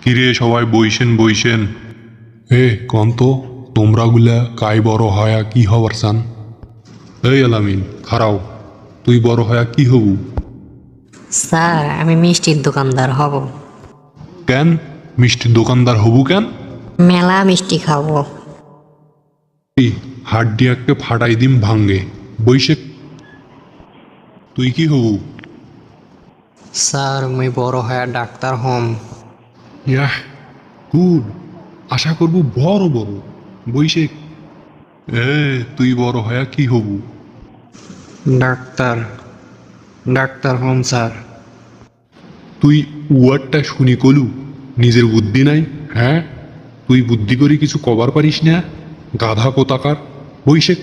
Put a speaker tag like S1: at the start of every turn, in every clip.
S1: কিরে সবাই বইসেন বইসেন। কন্ত তোমরা গুলা কাই বড় হয়া কি হবার চান? এই আলামিন খারাও, তুই বড় হয়া কি হবু?
S2: স্যার আমি মিষ্টির দোকানদার হব।
S1: কেন মিষ্টির দোকানদার হবু কেন?
S2: মেলা মিষ্টি খাবো।
S1: এই হাড্ডিয়াকে ফাটাই দিম ভাঙ্গে। বৈশে তুই কি হবু?
S3: স্যার মুই বড় হয়ে ডাক্তার হম।
S1: ইয়াহ গুড, আশা করব বড় বড়। বৈশে তুই বড় হয়া কি হবু?
S3: ডাক্তার ডাক্তার হম স্যার।
S1: তুই ওয়ার্ডটা শুনি কলু, নিজের বুদ্ধি নাই? হ্যাঁ, তুই বুদ্ধি করি কিছু কবার পারিস না, গাধা কোতাকার। বৈশেক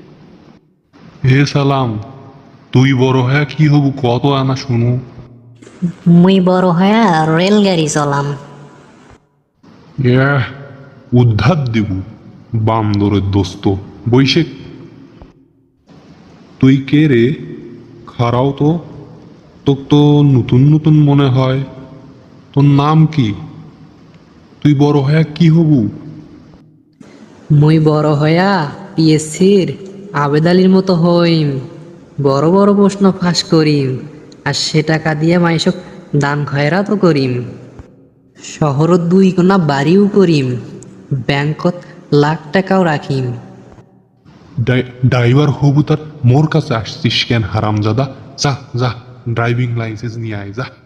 S1: সালাম, তুই বড় হয়া কি হবু কত আনা শুনু।
S2: মুই বড় হয়া রেলগাড়ি চলাম।
S1: ইয়াহ উদ্ধার দেবু বান্দরের দোস্ত। বৈশেক তুই কে রে? খারাও তো, তোক তো নতুন নতুন মনে হয়। তোর নাম কি? তুই বড় হয়া কি হবু?
S4: মুই বড় হয়া পিএসসির আবেদালির মতো হইম, বড় বড় প্রশ্ন ফাঁস করিম, আর সে টাকা দিয়ে মাইসক দান খয়রাতও করিম, শহরত 2 কোনা বাড়িও করিম, ব্যাংকত লাখ টাকাও রাখিম।
S1: ড্রাইভার হবু তার মোর কাছে আসছিস কেন হারামজাদা? যা যা ড্রাইভিং লাইসেন্স নিয়ে আয় যা।